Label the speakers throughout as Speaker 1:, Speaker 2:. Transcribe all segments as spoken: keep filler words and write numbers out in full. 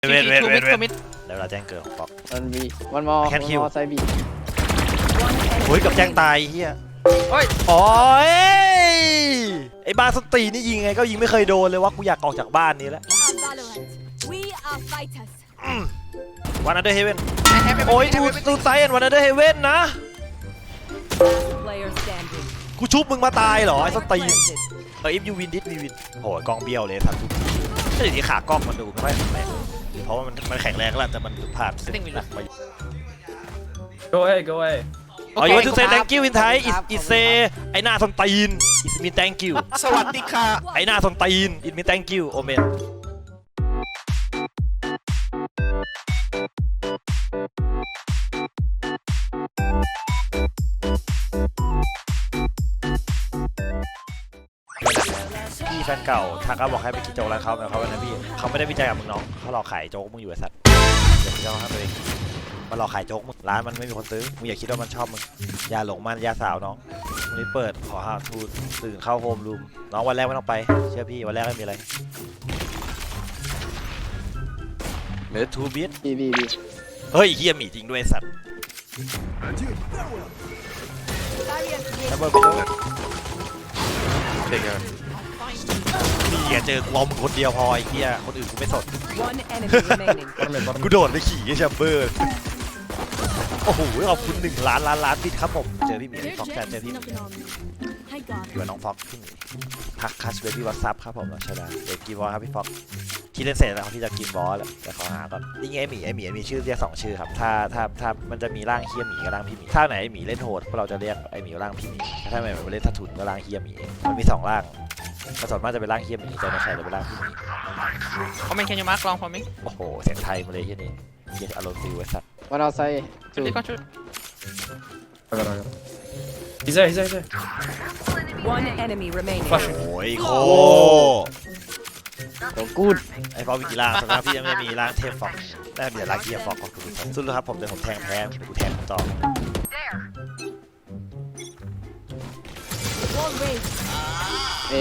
Speaker 1: เวทเวทเวทเวทเดี๋ยวเราแจ้งเกิดของป๊อก
Speaker 2: มันมีมันมอ
Speaker 1: แคนคิว
Speaker 2: ไซบี
Speaker 1: โอ้ยกับแจ้งตายเฮียโอ้ยโอ้ยไอ้บ้าสตีนี่ยิงไงก็ยิงไม่เคยโดนเลยว่ากูอยากออกจากบ้านนี้แล้ววันอันเดอร์เฮเว่นโอ้ยทูทูไซน์วันอันเดอร์เฮเว่นนะกูชุบมึงมาตายเหรอไอ้สตีนเอออิฟยูวินดิสวีวินโหยกองเบี้ยวเลยสัตว์ทุกทีก็อย่างที่ขากล้องมันดูไม่ค่อยแข็งแรงเพราะว่ามันมันแข็งแรงแล้วแต่มันผ่านสิ่งหนักมา
Speaker 3: Go away, go away.
Speaker 1: Oh, you want to say thank you in Thai? It it say ไอ้หน้าส้นตีน It mean thank you
Speaker 4: สวัสดีค่ะ
Speaker 1: ไอ้หน้าส้นตีน It mean thank you โอเมนพี่แฟนเก่าทักก็บอกให้ไปกินโจ๊กร้านเขาแต่เขาวันนั้นพี่เขาไม่ได้วิจัยกับมึงน้องเขาหลอกขายโจ๊กมึงอยู่ไอ้สัตว์เดี๋ยวพี่จะให้ตัวเองมันหลอกขายโจ๊กมึงร้านมันไม่มีคนซื้อมึงอย่าคิดว่ามันชอบมึงอย่าหลงมันอย่าสาวน้องวันนี้เปิดขอหาทูตื่นเข้าโฮมรูมน้องวันแรกไม่ต้องไปเชื่อพี่วันแรกไม่มีอะไรเหลือทูบิท
Speaker 2: บีบีบี
Speaker 1: เฮ้ยเฮียหมีจริงด้วยสัตว์ระเบิดไปเลยเด็กอะนี่อย่าเจอกูเอามึงคนเดียวพอไอ้เฮียคนอื่นกูไม่สนกูโดดไปขี่แชมเบอร์โอ้โหขอบคุณหนึ่งล้านล้านล้านบิตครับผมเจอพี่หมีพี่ฟ็อกแจเจอพี่หมีอยู่กับน้องฟ็อกพี่หมีทักคัสเบบี้วัตซับครับผมใช่ไหมเด็กกีบอลครับพี่ฟ็อกที่เล่นเสร็จแล้วที่จะกินบอลแล้วแต่ขอหาก่อนนี่ไงไอหมีไอหมีมีชื่อเรียกสองชื่อครับถ้าถ้าถ้ามันจะมีร่างเฮียหมีกับร่างพี่หมีถ้าไหนไอหมีเล่นโหดพวกเราจะเรียกไอหมีร่างพี่หมีถ้าไหนมันเล่นทัทุนก็ร่างเฮียหมีมันมีสองร่างผสมมากจะเป็นร่างเฮียหมีแต่ในใครจะเป็นร่างพี่หมี
Speaker 4: Comment can you mark long for me
Speaker 1: โอ้โหเสียงไทยมาเลยที่นี่เฮียอารมณ์ดีเว้ยสัตว์
Speaker 2: มันเอาไซจู
Speaker 4: They got you
Speaker 3: I got it, I got it. He's there, he's there, he's there.
Speaker 5: One enemy remaining.
Speaker 1: โอ้ยโค
Speaker 2: โอ้กูด
Speaker 1: ไอ้ฟอกมีกี่ร่างสำหรับพี่ยังไม่มีร่างเทพฟอกได้มีแต่ร่างเฮียฟอกของคุณสู้เลยครับผมเดี๋ยวผมแทงแพ้เดี๋ยวกูแทงต่อ
Speaker 2: เอ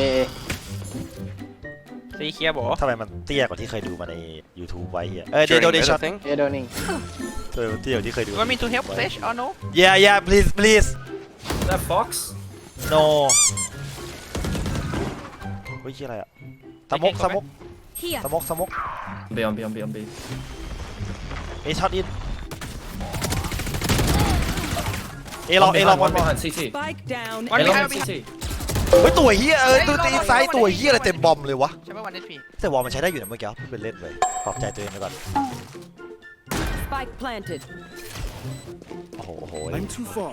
Speaker 4: See here bro
Speaker 1: ทำไมมันเตี้ยกว่าที่เคยดูมาใน YouTube ไว้เฮียเออเดโดเดชั่น
Speaker 2: เอโดนิง
Speaker 1: เออเตี้ยกว่าที่เคยดู
Speaker 4: You want me to help Flash or no
Speaker 1: Yeah yeah please please
Speaker 3: Is that Fox?
Speaker 1: no เฮ้ยชื่ออะไรอะสมกสมก
Speaker 5: Here.
Speaker 1: สมกสมก
Speaker 3: On B, on B, on B, on B.
Speaker 1: เอช็อตอินเอลอง
Speaker 3: One
Speaker 1: เอลอง
Speaker 3: behind,
Speaker 1: วัน
Speaker 3: one
Speaker 1: บอล
Speaker 3: behind, C T.
Speaker 5: Spike down.
Speaker 4: One
Speaker 3: Hey, long
Speaker 4: behind,
Speaker 3: C T.
Speaker 1: เฮ้ยตัวเฮียเออตัวตีซ้ายตัวเฮียอะไรเต็มบอมเลยวะ
Speaker 4: Chamber one H P
Speaker 1: แต่วอลมันใช้ได้อยู่นะเมื่อกี้พูดเป็นเล่นเลยปลอบใจตัวเองไปก่อน
Speaker 5: Spike planted.
Speaker 1: โอ้โหโอ้โห I'm too far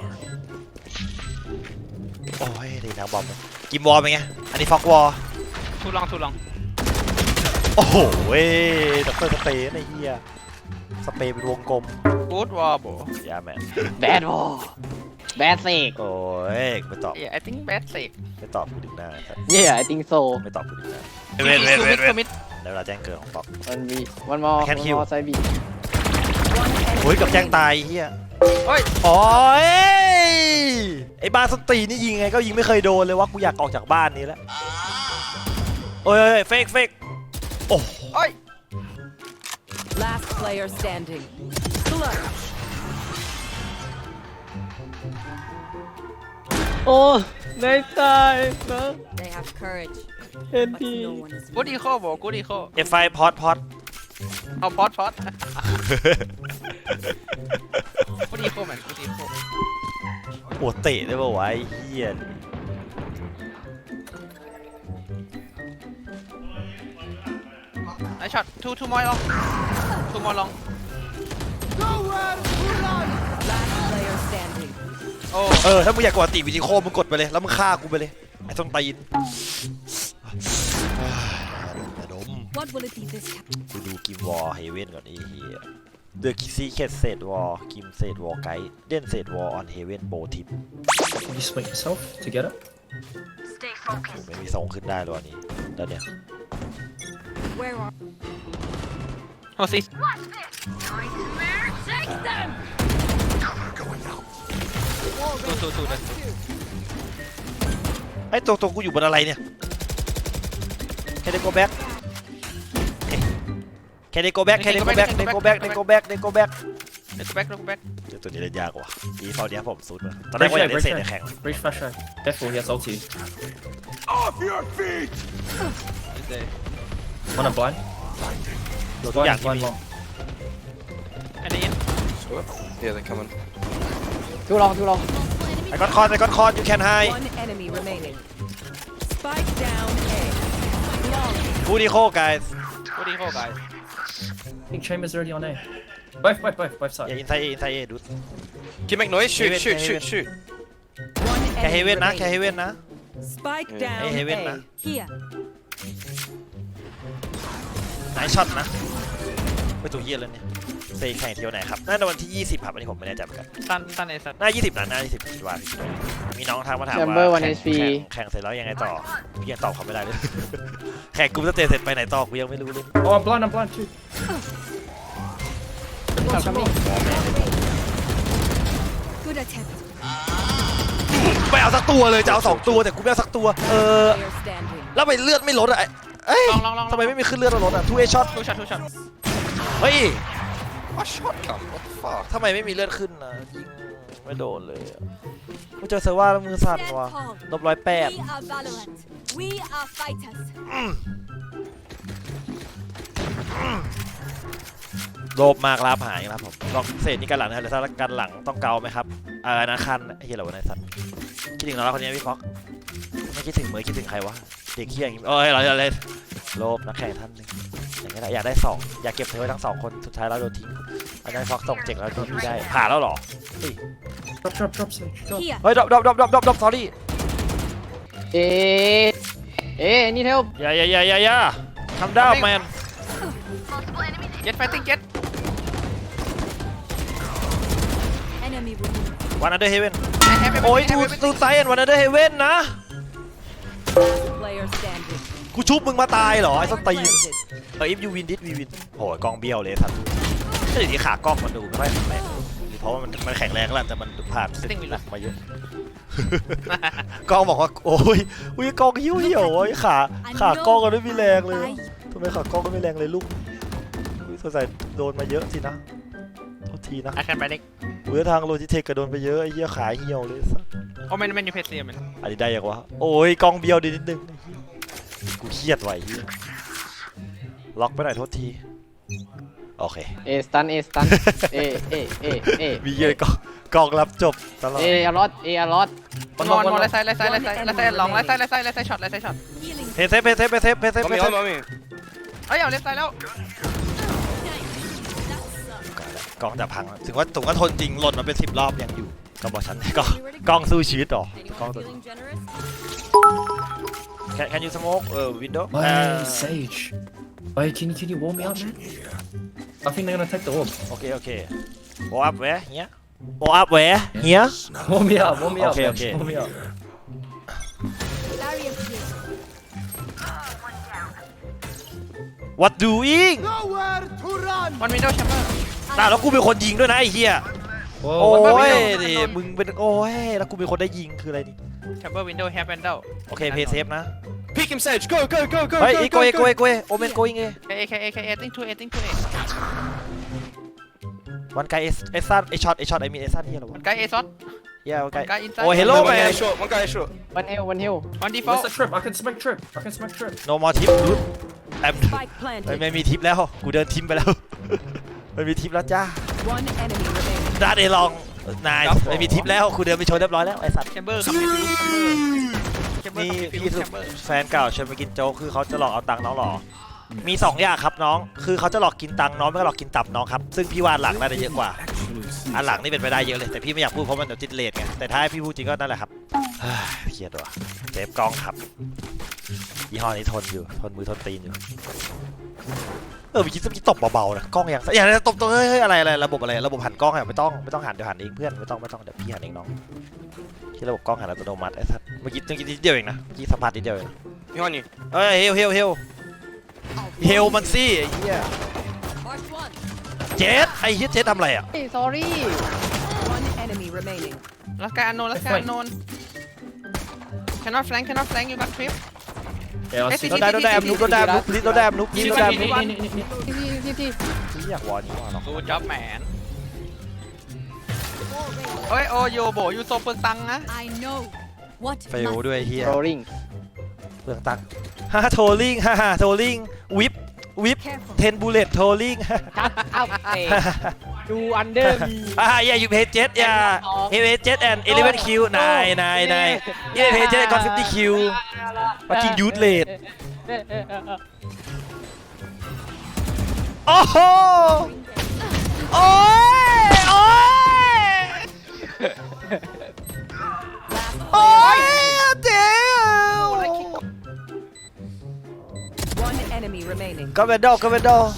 Speaker 1: โอ้ยดีทางบอมเลยกิมวอลเป็นไงอันนี้ฟอกวอล
Speaker 4: Too long too long
Speaker 1: โอ้โหเว้ยด็อกเตอร์สเปรย์ไอ้เหี้ยสเปรย์เป็นวงกลม
Speaker 4: Good wall bro
Speaker 1: ยาแมน
Speaker 2: แบดวอลแบดเซก
Speaker 1: โอ้ยไม่ตอบ
Speaker 4: Yeah I think bad sake
Speaker 1: ไม่ตอบกูดึงหน้าครับ
Speaker 2: เย่ไอติงโซ
Speaker 1: ไม่ตอบกูดึงหน้า
Speaker 4: Two mid two mid
Speaker 1: เดี๋ยวเราแจ้งเกิดของป๊อก
Speaker 2: มันมีมันมอ
Speaker 1: แคนคิว
Speaker 2: ไซบี
Speaker 1: โอ้ยกับแจ้งตายเหี้ย
Speaker 4: โอ้ย
Speaker 1: โอ้ยไอ้บ้าสตีนี่ยิงไงก็ยิงไม่เคยโดนเลยว่ากูอยากออกจากบ้านนี้แล้วโอ้ยเฟกเฟกโอ้
Speaker 4: โอ้ย
Speaker 5: Last player standing. Clutch.
Speaker 2: โอ้ได้ตายนะ
Speaker 5: They have courage,
Speaker 2: เอ็น
Speaker 5: but
Speaker 2: พี
Speaker 5: no one is.
Speaker 4: Good eco bro Good eco
Speaker 1: เอฟไฟพอดพอด
Speaker 4: เอา pot pot Good eco man Good eco
Speaker 1: โอ้เตะได้ป่าววะไอ้เหี้ย
Speaker 4: Nice shot Two two more long Two more long
Speaker 5: Last player standing.
Speaker 4: โอ้
Speaker 1: เออถ้ามึงอยากกดติวิดีโอมึงกดไปเลยแล้วมึงฆ่ากูไปเลยไอ้ส้นตีนอย่าดม
Speaker 5: What will it be this time?
Speaker 1: กูดูกิมวอลเฮเว่นก่อนไอ้เหี้ยเดอะคิซี่เคสเซตวอลกิมเซตวอลไกด์เด่นเซตวอลออนเฮเว่นโบทิป
Speaker 3: You split yourself to get it?
Speaker 1: ไม่มีทรงขึ้นได้เลยวันนี้ตอนเนี้ย
Speaker 5: Where are?
Speaker 4: Oh see Two two two that's two
Speaker 1: ไอ้ตัวตัวกูอยู่บนอะไรเนี่ยแคเดโกแบ็กแค Can they go back Can they go back They go back They go back They go back
Speaker 4: Let's go back let's go back
Speaker 1: ตัวนี้เล่นยากกว่าอีฟอลเนี้ยผมสุดว่ะตอนแรกว่าอยากเล่นเซนในแข่ง
Speaker 3: Breach flash right. Careful, he has ulti.
Speaker 4: He's there
Speaker 3: One on blind.
Speaker 1: ตัวทุก
Speaker 3: Blind,
Speaker 1: อย่างที่
Speaker 3: blind
Speaker 1: มี
Speaker 3: long.
Speaker 4: and in
Speaker 6: Yeah, they're coming.
Speaker 2: ทูลองทูลอง
Speaker 1: ไอ้ก้อนคอนไอ้ก้อนคอน you can hide
Speaker 5: One enemy remaining. Spike down A. Long.
Speaker 1: บูดีโค guys
Speaker 4: what do you call guys
Speaker 3: I think Chamber's already on A. Both, both, both, both
Speaker 1: อย่า
Speaker 3: sides.
Speaker 1: inside A inside A ดู
Speaker 6: Can you make noise? Shoot,
Speaker 1: Heaven,
Speaker 6: shoot, shoot,
Speaker 1: heaven.
Speaker 6: shoot.
Speaker 5: One
Speaker 1: แค่เฮ
Speaker 5: enemy
Speaker 1: เว่นนะแค่เฮ
Speaker 5: remaining.
Speaker 1: เว่นนะ
Speaker 5: Spike
Speaker 6: Yeah.
Speaker 5: down
Speaker 1: Hey, Heaven,
Speaker 5: A.
Speaker 1: nah.
Speaker 5: Here.
Speaker 1: ไหนช็อตนะไปตัวเฮียแล้วเนี่ยเซแข่งเที่ยวไหนครับน่าจะวันที่ยี่สิบครับอันนี้ผมไม่แน่ใจเหมือนกัน
Speaker 4: Sun Sun is Sun
Speaker 1: น่ายี่สิบนะน่ายี่สิบคิดว่ามีน้องทางมาถาม
Speaker 2: แชม
Speaker 1: ว่า
Speaker 2: เบอร์วัน
Speaker 1: แข่
Speaker 2: เอง ชพี
Speaker 1: แข่งแข่งเสร็จแล้วยังไงต่อพี่ยังตอบเขาไม่ได้เลย แข่งกลุ่มสเตจเสร็จไปไหนต่อกูยังไม่รู้เลย
Speaker 3: Oh, I'm blind, I'm blind too.
Speaker 2: ขับคัมมิ่ง
Speaker 5: Good attempt.
Speaker 1: ไม่เอาสักตัวเลยจะเอาสองตัวแต่กูไม่เอาสักตัวเออ
Speaker 5: Player standing.
Speaker 1: แล้วไปเลือดไม่ลดอ่ะเอ้ย
Speaker 4: ลองลองลอง
Speaker 1: ทำไมไม่มีขึ้นเลือดลดอ่ะทูเอช็อต
Speaker 4: two shot two shot
Speaker 1: เฮ้ย
Speaker 6: My shot come. What the fuck?
Speaker 1: ทำไมไม่มีเลือดขึ้นนะยิงไม่โดนเลยอะกูเจอเซอร์ว่าแล้วมือสั่นว่ะลบร้อยแปด
Speaker 5: We are Valorant. We are fighters.
Speaker 1: โลภมากลาบหายครับผมลองเศษนี่กันหลังนะแต่ถ้ากันหลังต้องเกาไหมครับเออนะคันไอ้เหี้ยอะไรวะนายสัตว์คิดถึงน้องคนนี้พี่ฟ็อกไม่คิดถึงเหมือนคิดถึงใครวะเด็กเหี้ยอย่างงี้เอ้ยเราจะเล่นโลภนักแข่งท่านหนึ่งอย่างนี้แหละอยากได้สองอยากเก็บเธอไว้ทั้งสองคนสุดท้ายเราโดนทิ้งอันนั้นฟ็อกส่งเจ๋งแล้วที่พี่ได้ผ่านแล้วเหรอเฮ้ย
Speaker 3: Drop, drop, drop, Sage. Drop.
Speaker 5: Here.
Speaker 1: เฮ้ยดรอปดรอปดรอปดรอปดรอปดรอป sorry
Speaker 2: เอเอนี่เทล
Speaker 1: อย่าอย่าอย่าอย่าอย่าทำดาวแมน
Speaker 4: get fighting get
Speaker 5: Enemy removed.
Speaker 1: วันอันเดอร์เฮเว่น
Speaker 4: I have
Speaker 1: โอ้ย
Speaker 4: everything,
Speaker 1: ทู
Speaker 4: I have
Speaker 1: ทู
Speaker 4: everything.
Speaker 1: ไซเอ็นวันอันเดอร์เฮเว่นนะ
Speaker 5: Player standing.
Speaker 1: กูชุบมึงมาตายเหรอไอ้สตีน
Speaker 5: Planted.
Speaker 1: เออ if you win this we win โหยกองเบี้ยวเลยสัตว์ก็อย่างนี้ขากล้องมันดูไม่ค่อยแข็งแรงหรือเพราะว่ามันมันแข็งแรงแล้วแต่มันผ่านสิ่งหนักมาเยอะ กล้องบอกว่าโอ้ยอุ้ยกล้องหิ้วเหี่ยวโอ้ยขาขากล้องก็ไม่มีแรงเลยทำไมขากล้องก็ไม่แรงเลยลูกอุ้ยสงสัยโดนมาเยอะสินะโทษทีนะ
Speaker 4: I can panic
Speaker 1: อุ้ยทางโลจิเทคก็โดนไปเยอะไอ้เหี้ยขาเหี่ยวเลยสัส
Speaker 4: oh man man you paid man
Speaker 1: อันนี้ได้ยังวะโอ้ยกล้องเบี้ยวดีนิดนึงกูเครียดไว้เหี้ยล็อกไปหน่อยโทษทีโอเค
Speaker 2: เอสตันเอสตันเอเอเอเอ
Speaker 1: มีเยอะกล้องกล้องรับจบตลอด
Speaker 2: เออารอดเออารอด
Speaker 4: one more one more left side left side left side left side long left side left side left side shot left side shot
Speaker 5: Healing.
Speaker 1: เพย์เซฟเพย์เซฟเพย์เซฟเพย์เซฟ
Speaker 6: On
Speaker 1: เพ
Speaker 6: me,
Speaker 1: ย์เซ
Speaker 6: on
Speaker 1: ฟ
Speaker 6: me, on me.
Speaker 4: เอ้ยเอา left side แล้ว
Speaker 1: กล้องจะพังแล้วถึงว่าถึงว่าทนจริงหล่นมาเป็นสิบรอบยังอยู่ก็บอกฉันกล้องกล้องสู้ชีวิตหรอกล้อง
Speaker 5: Anyone
Speaker 1: ตัว
Speaker 5: feeling generous?
Speaker 1: Can Can you smoke เอ่อ window
Speaker 3: Wait, Sage. Wait, can you, can you warm me up, man? I think they're gonna take the orb.
Speaker 1: โอเคโอเค Go up where here Go up where here
Speaker 3: Warm me up, warm me up,
Speaker 1: Okay,
Speaker 3: man.
Speaker 1: okay.
Speaker 3: Warm me up.
Speaker 5: Barrier here.
Speaker 1: What doing
Speaker 4: one window chamber
Speaker 1: น่าแล้วกูเป็นคนยิงด้วยนะไอ้เหี้ย
Speaker 3: Whoa,
Speaker 1: โอ้
Speaker 3: what
Speaker 1: ย
Speaker 3: about
Speaker 1: ดิมึงเป็นโอ้ยแล้วกูเป็นคนได้ยิงคืออะไรนี่
Speaker 4: chamber window have window
Speaker 1: โอเคเพย์เซฟนะ
Speaker 6: Peek him, Sage. Go, go, go, go,
Speaker 1: เฮ้ย
Speaker 6: go,
Speaker 1: อีโก
Speaker 6: go,
Speaker 1: เอโก
Speaker 6: go.
Speaker 1: เอโกเอโอเมนโกอิงเอ
Speaker 4: A K A K A think to A think to A
Speaker 1: วันไกเอสเอซันไอช็อตไอช็อตไอมีเอซันเหี้ยเหรอวะ
Speaker 4: one guy A shot
Speaker 1: เหี้ยวันไก
Speaker 4: one guy inside
Speaker 1: โอ้ hello
Speaker 6: One guy
Speaker 1: man
Speaker 6: is short, one guy is short.
Speaker 2: วันเฮลวันเฮล
Speaker 4: one
Speaker 3: Where's
Speaker 4: default
Speaker 3: the trip? I can smack trip. I can smack trip.
Speaker 1: no more tip dude แอม
Speaker 5: Spike
Speaker 1: ไม่
Speaker 5: planted.
Speaker 1: ไม่มีทิปแล้วกูเดินทิมไปแล้ว ไม่มีทิปแล้วจ้า
Speaker 5: One enemy remaining.
Speaker 1: ด้านเอลองนายไม่มีทิปแล้วกูเดินไปชนเรียบร้อยแล้วไอ้สัตว์
Speaker 4: chamber ครับ chamber chamber
Speaker 1: นี่
Speaker 4: ครับ
Speaker 1: พี่สุ
Speaker 4: chamber
Speaker 1: แฟนเก่าชวนไปกินโจ๊กคือเขาจะหลอกเอาตังค์น้องหรอมีสองอย่างครับน้องคือเขาจะหลอกกินตังค์น้องไม่ก็หลอกกินตับน้องครับซึ่งพี่ว่าหลังน่าจะเยอะกว่าอันหลังนี่เป็นไปได้เยอะเลยแต่พี่ไม่อยากพูดเพราะมันเดี๋ยวติดเลทไงแต่ถ้าให้พี่พูดจริงก็นั่นแหละครับเฮ้ยเครียดว่ะเซฟกล้องครับยี่ห้อนี้ทนอยู่ทนมือทนตีนอยู่เออเมื่อกี้เมื่อกี้ตบเบาๆนะกล้องอย่างอย่างนี้ตบตัวเฮ้ยเฮ้ยอะไรอะไรระบบอะไรระบบหันกล้องอะไม่ต้องไม่ต้องหันเดี๋ยวหันเองเพื่อนไม่ต้องไม่ต้องเดี๋ยวพี่หันเองน้องที่ระบบกล้องหันอัตโนมัติไอ้สัสเมื่อกี้เมื่อกี้นิดเดียวเองนะเมื่อกี้สัมผัสนิดเดียวเอง
Speaker 6: Behind you.
Speaker 1: เฮ้ยเฮลเฮลเฮลเฮลมันสิไอ้เหี้ย
Speaker 5: Mark one.
Speaker 1: เจสไอ้เหี้ยเจสทำอะไรอ่ะ
Speaker 2: เฮ้ย sorry
Speaker 5: One enemy remaining.
Speaker 4: last guy unknown last guy
Speaker 3: Flank.
Speaker 4: unknown cannot flank cannot flank you got trip
Speaker 3: Yeah, I'll
Speaker 4: Hey,
Speaker 3: see.
Speaker 4: see,
Speaker 1: โดนได้โดนได้แอมนุ๊กโดนได้แอมนุ๊กพลิสโดนได้แอมนุ๊กพลิสโดนได้แอมนุ๊ก
Speaker 3: Knee, knee, knee, knee.
Speaker 2: ทีที
Speaker 1: ที่อยากวอนี้ว่ะเนาะ
Speaker 4: กูจ็อบแมนเฮ้ยโอโยโบยูโซเปลืองตังค์นะ
Speaker 5: I know what
Speaker 1: เฟลด้วยเฮีย
Speaker 2: โรลลิง
Speaker 1: เปลืองตังค์ฮ่าโทลิงฮ่าฮ่าโทลิงวิปวิป
Speaker 5: careful
Speaker 1: เทนบูเลตโทลิง
Speaker 2: ครับเอาเอดูอันเดอร์มี
Speaker 1: อ่าอย่าอยู่เพจเจ็ดอย่าเอเพจเจ็ดแอนด์เอเลเวนคิวนายนายนายเอเพจเจ็ดก่อนฟิฟตี้คิวมาจริงยูทเลดโอ้โหโอ้ยโอ้ยโอ้ยเจ๋ว
Speaker 5: one enemy remaining
Speaker 1: ก็เวนดอลก็เวนดอล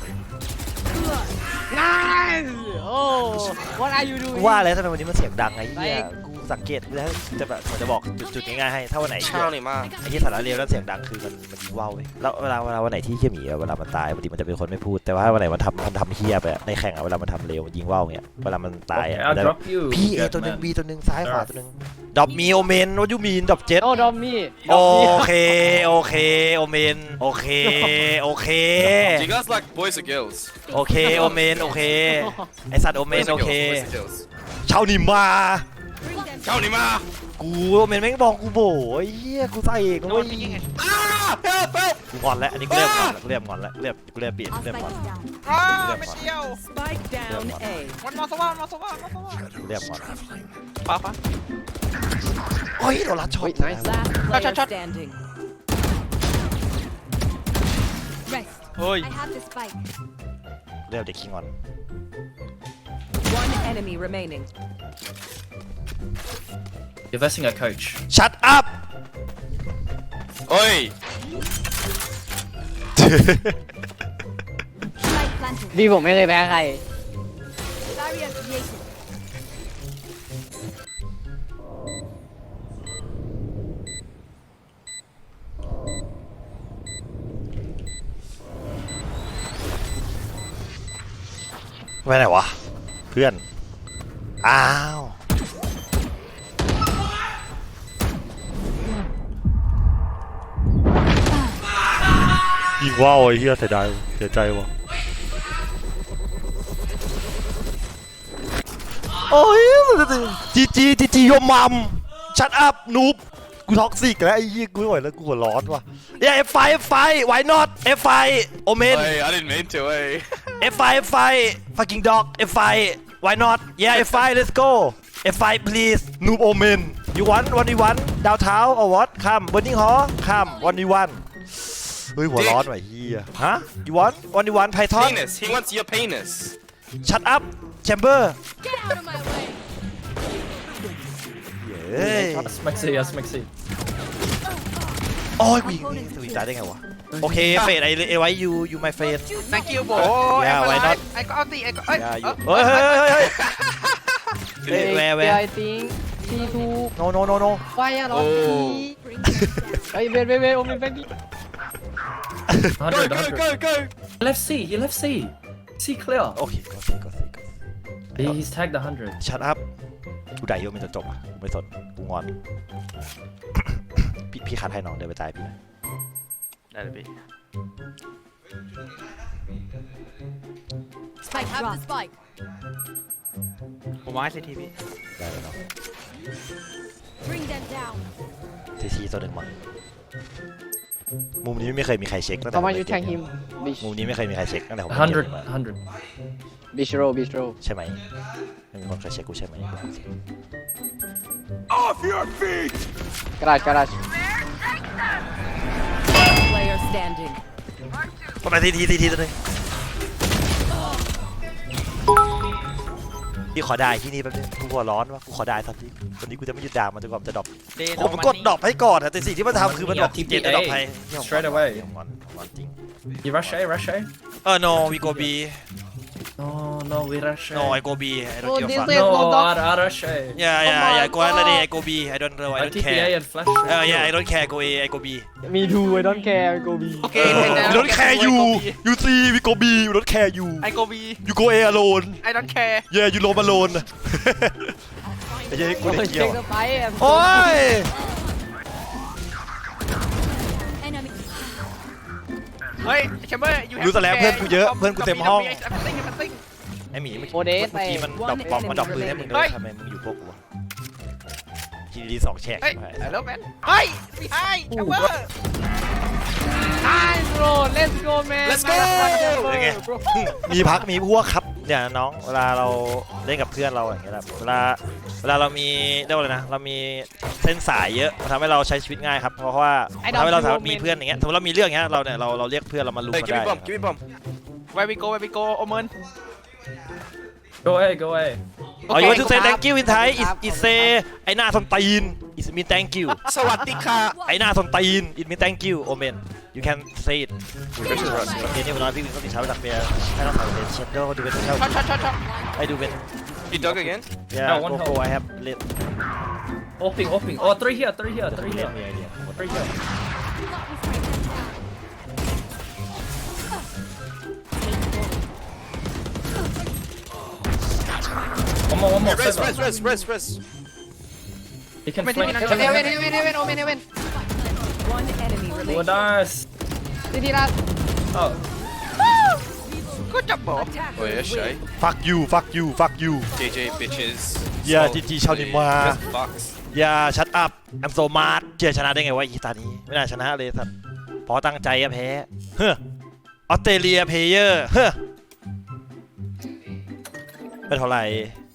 Speaker 2: nice โอ้ what are you doing
Speaker 1: ว่าแล้วทำไมวันนี้มันเสียงดังไอ้เหี้ยกูสังเกตแล้วจะแบบผมจะบอกจุดๆง่ายๆให้ถ้าวันไหน
Speaker 6: Charlie, man.
Speaker 1: ไอ้ที่สาระเรียวแล้วเสียงดังคือมันมันยิงว่าวเว้ยแล้วเวลาเวลาวันไหนที่เขี้ยหมีอะเวลามันตายบางทีมันจะเป็นคนไม่พูดแต่ว่าวันไหนมันทำมันทำเฮี้ยไปอะในแข่งอะเวลามันทำเร็วมันยิงว่าวเงี้ยเวลามันตาย
Speaker 3: Okay,
Speaker 1: อะ
Speaker 3: I'll
Speaker 1: มันจะ
Speaker 3: drop you.
Speaker 1: พี่เอ
Speaker 3: Good
Speaker 1: ตัวหนึ่ง
Speaker 3: man.
Speaker 1: บีตัวหนึ่งซ้ายขวาตัวหนึ่งดอบมีโอเมนว่ายูมีนดอบเจ็ด
Speaker 2: โอ้ดอมมี่
Speaker 1: โอเคโอเคโอเมนโอเคโอเค
Speaker 6: Do you guys like boys or girls?
Speaker 1: โอเคโอเมนโอเคไอสัตว์โอเมน
Speaker 6: Boys
Speaker 1: โอ
Speaker 6: or
Speaker 1: เค
Speaker 6: girls? Boys or girls?
Speaker 1: ชาวนิมา
Speaker 6: Charlie, man.
Speaker 1: กูโอเมนแม่งบอกกูโบไอ้เหี้ยกูใส่เอง
Speaker 4: โด
Speaker 1: เว้
Speaker 4: น
Speaker 1: ย
Speaker 4: ไปยิงไง
Speaker 6: Ah! Help! Help!
Speaker 1: กูงอนแล้วอันนี้กูเริ่มงอนแล้วกูเริ่มงอนแล้วเริ่มกูเริ่มเปลี่ยน
Speaker 5: I'll
Speaker 1: กูเริ่ม
Speaker 5: spike
Speaker 1: งอน
Speaker 5: it down
Speaker 4: อ้าไม่เดียว
Speaker 5: spike down A
Speaker 4: วันมอสว่าวันมอสว่าวันมอสว่า
Speaker 1: กูเริ่มงอน
Speaker 4: ป้าป้า
Speaker 1: โอ้ยโดนลัดช็อต
Speaker 2: nice
Speaker 5: last player
Speaker 4: shot, shot.
Speaker 5: standing rest
Speaker 4: เฮ้ย
Speaker 5: I have the spike
Speaker 1: เริ่มเด็กขี้งอน
Speaker 5: one enemy remaining
Speaker 3: You're versing a coach.
Speaker 1: Shut up
Speaker 6: Oi!
Speaker 5: spike planted
Speaker 2: พี่ผมไม่เคยแพ้ใคร
Speaker 5: barrier created
Speaker 1: ไปไหนวะเพื่อนอ้าวยิงว้าวไอ้เหี้ยเสียดายเสียใจว่ะโอ้ยจีจีจีจีโยมัมชัดอัพนูบกูท็อกซิกแล้วไอ้เหี้ยกูไม่ไหวแล้วกูหัวร้อนว่ะเนี่ย F ไฟ F ไฟ why not F ไฟโอเมน
Speaker 6: Oi, I didn't mean to, oi.
Speaker 1: F ไฟ F ไฟ fucking dog F ไฟ why not yeah F ไฟ let's go F ไฟ please noob omen you want one v one downtown or what come burning hall come one v one เฮ้ยหัวร้อนว่ะเฮียฮะ you want one v one python
Speaker 6: Penis. He wants your penis.
Speaker 1: shut up chamber
Speaker 5: get out of my way
Speaker 1: เฮ้ย
Speaker 3: That's Maxi, that's Maxi.
Speaker 1: โอ้ยกูยิงสวิงตายได้ไงวะโอเคเฟดไอไอไว้ you you my friend
Speaker 4: thank you โบ
Speaker 1: Yeah, why not?
Speaker 4: ไอ้ก็เอาตีไอ้ก็เอ้ย
Speaker 1: yeah you เฮ้ยเฮ้ยเฮ้ยเฮ้ยเฮ้ย where where
Speaker 2: I think ทีทู
Speaker 1: no no no no
Speaker 2: ไฟอะหรอ
Speaker 6: โอ้
Speaker 5: bring them down
Speaker 2: เฮ้ยเวทเวทเวทโอมินแบงกี้
Speaker 6: Go,
Speaker 3: one hundred,
Speaker 6: go,
Speaker 3: one hundred.
Speaker 6: go, go!
Speaker 3: Left C, you left C. C clear.
Speaker 1: โอเคก็สิก็สิก็สิ
Speaker 3: He- He's tagged one hundred.
Speaker 1: ชัดอัพกูได้โยมันจะจบอ่ะกูไม่สนกูงอน พี่พี่คัดให้น้องเดินไปตายพี่หน่อย
Speaker 4: ได้เลยพี่
Speaker 5: spike have the spike
Speaker 4: ผมมาให้ซีทีพี่
Speaker 1: ได้เลยน้อง
Speaker 5: bring them down
Speaker 1: ทีทีตัวหนึ่งมั้งมุมนี้ไม่เคยมีใครเช็คตั้งแต่
Speaker 2: ทำไม
Speaker 1: ผ
Speaker 2: ยู
Speaker 1: เล่น
Speaker 2: แทงฮิมบิช
Speaker 1: มุมนี้ไม่เคยมีใครเช็คตั้งแต่ผม
Speaker 3: one
Speaker 1: เล่นเก
Speaker 3: hundred,
Speaker 1: มมา
Speaker 3: one hundred.
Speaker 2: บิชโรบิชโร
Speaker 1: ใช่ไหมไม่มีคนเคยเช็คกูใช่ไหม
Speaker 6: Off your feet!
Speaker 2: กระดาษกระดาษ
Speaker 5: player standing
Speaker 1: ประมาณทีทีทีทีตัวหนึ่งพี่ขอได้ที่นี่แป๊บนึงกูหัวร้อนวะกูขอได้สักทีวันนี้กูจะไม่หยุดด่ามันจนกว่ามันจะดรอป
Speaker 4: เดโน
Speaker 1: ผมกดดรอปให้ก่อนอะแต่สิ่งที่มันทำคือมันบอก
Speaker 3: ที
Speaker 1: เจ็ดดรอปให้
Speaker 3: Straight away
Speaker 1: งอนงอนจริง
Speaker 3: You rush A, rush A.
Speaker 1: เออ no we go B
Speaker 3: No, no, we rush A.
Speaker 1: no I go B I
Speaker 2: Oh,
Speaker 1: don't give a
Speaker 2: this
Speaker 1: fuck
Speaker 2: is-
Speaker 3: No,
Speaker 2: dog.
Speaker 3: I, I rush A.
Speaker 1: yeah yeah yeah go ahead I go B I don't know I
Speaker 3: I
Speaker 1: don't
Speaker 3: T P A
Speaker 1: care
Speaker 3: and flash.
Speaker 1: uh yeah I don't care go A I go B
Speaker 2: มีทูไอดอนแคร์โกบี
Speaker 4: โอเค
Speaker 1: we don't care you you see we go B we don't care you
Speaker 4: ไอโกบี
Speaker 1: you go A alone
Speaker 4: ไอดอนแคร์
Speaker 1: yeah you roam alone ไอ้เหี้ยกู
Speaker 2: โอ้
Speaker 1: เด็
Speaker 2: ย
Speaker 1: ก
Speaker 2: เช็
Speaker 1: เกี่ยว
Speaker 2: คสไปร์
Speaker 1: โอ้ย
Speaker 5: enemy
Speaker 4: เฮ้ยแชมเบอร์
Speaker 1: รู้แต่แล้วเพื่อนกูเยอะเพื่อนกูเต็มห้อง
Speaker 4: ติ้งกันติ้ง
Speaker 1: ไอหมีเมื่อ
Speaker 2: โอเดส
Speaker 1: เมื่อกี้มันดรอปบอมมันดรอปปืนให้มึงด้วยทำไมมึงอยู่พวกกูทีดีสองแฉก
Speaker 4: เฮ้ย
Speaker 1: ใช่ไหม
Speaker 4: แล้วแมนเฮ้ยไม่ให้แชมเบอร์
Speaker 2: Nice bro let's go man
Speaker 6: Let's go
Speaker 1: เป็นไงมีพักมีพวกครับเนี่ยน้องเวลาเราเล่นกับเพื่อนเราอย่างเงี้ยแบบเวลาเวลาเรามีเรียกว่าอะไรนะเรามีเส้นสายเยอะมันทำให้เราใช้ชีวิตง่ายครับเพราะว่าทำให้เราสามารถมีเพื่อนอย่างเงี้ยสมมติเรามีเรื่องอย่างเงี้ยเราเนี่ยเราเราเรียกเพื่อนเรามาลุม
Speaker 6: Hey,
Speaker 1: มา
Speaker 6: give
Speaker 1: ได้
Speaker 6: me bomb. Give me bomb.
Speaker 4: ไววิโกไววิโกโอเมน
Speaker 3: go away go away
Speaker 1: อ๋อ you want to say thank you in Thai is is say ไอ้หน้าส้นตีน is mean thank you
Speaker 6: Sawadika.
Speaker 1: ไอ้หน้าส้นตีน it mean thank you omen you can say it เดี๋ยวนี้วันนั้นพี่วินก็มีเช้าไปจากเบียร์ให้น้องสาวเป็นเชนโดดูเป็นเช้า
Speaker 4: ช็อตช็อตช็อตช็อต
Speaker 1: ให้ดูเป็น
Speaker 6: You dug again?
Speaker 1: yeah
Speaker 3: No, one
Speaker 1: go
Speaker 3: help.
Speaker 1: go I have lit
Speaker 3: open open oh three here three here three here
Speaker 1: มีไอเดีย
Speaker 3: three here one more one more
Speaker 6: Rest,
Speaker 3: seven.
Speaker 6: rest, rest, rest, rest.
Speaker 3: He can
Speaker 4: เวนเวน
Speaker 3: flank
Speaker 4: เวนเวนเวนเวนโอเมนเวน
Speaker 5: One enemy
Speaker 3: oh
Speaker 5: remaining.
Speaker 3: nice
Speaker 2: ทีทีละ
Speaker 3: oh
Speaker 4: ก็จับบอก
Speaker 6: Oh yeah, shy.
Speaker 1: fuck you fuck you fuck you
Speaker 6: J J bitches.
Speaker 1: Yeah,
Speaker 6: So,
Speaker 1: G G ชาวนิมมา
Speaker 6: Just box.
Speaker 1: อย่า shut up I'm so mad เจียชนะได้ไงวะอีตานี้ไม่น่าชนะเลยสัตว์พอตั้งใจอะแพ้เฮ้อออสเตรเลียเพลเยอร์เฮ้อไม่เท่าไหร่